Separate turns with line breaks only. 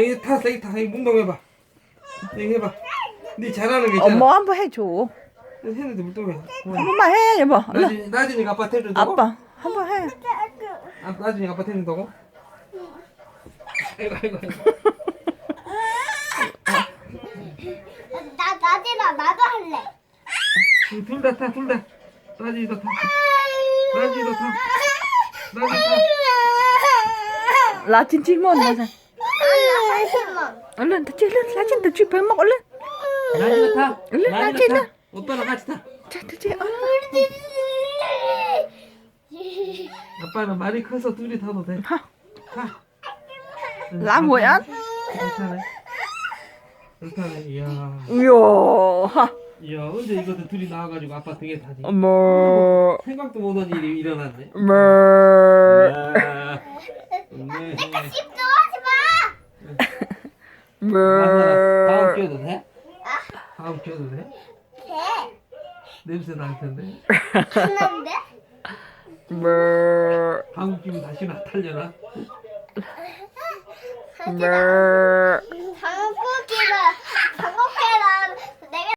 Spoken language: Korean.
여기 타, 여기 타. 여기 운동해봐. 여기 해봐. 네 잘하는 게 있잖아.
엄마 한번 해줘.
했는데 물동해.
한 번만 해, 여보. 얼른.
나중에 아빠 태워준다고?
아빠 한번 해.
나중에 아빠 태워준다고? 아이고.
나도 할래.
둘 다 타. 나중에도 타.
라진 질문 하자.
하지만
얼른 다 찔러. 라진 다 쥐 밥 먹 얼른.
나중에 타.
얼른 라진 타.
오빠랑 같이 타.
자, 자, 얼른.
아빠는 말이 커서 둘이 타도 돼.
하.
타.
làm rồi á.
그렇다네. 이야.
이야. 하.
이야, 언제 이것도 둘이 나와가지고 아빠 등에 타지?
어머.
생각도 못한 일이 일어났네.
뭐.
야. 네.
집중하지 마.
뭐.
다음 끼워도 돼? 다음 끼워도 돼?
돼.
냄새 날 텐데.
하는데?
뭐.
다음 끼면 다시 나타려나?
뭐.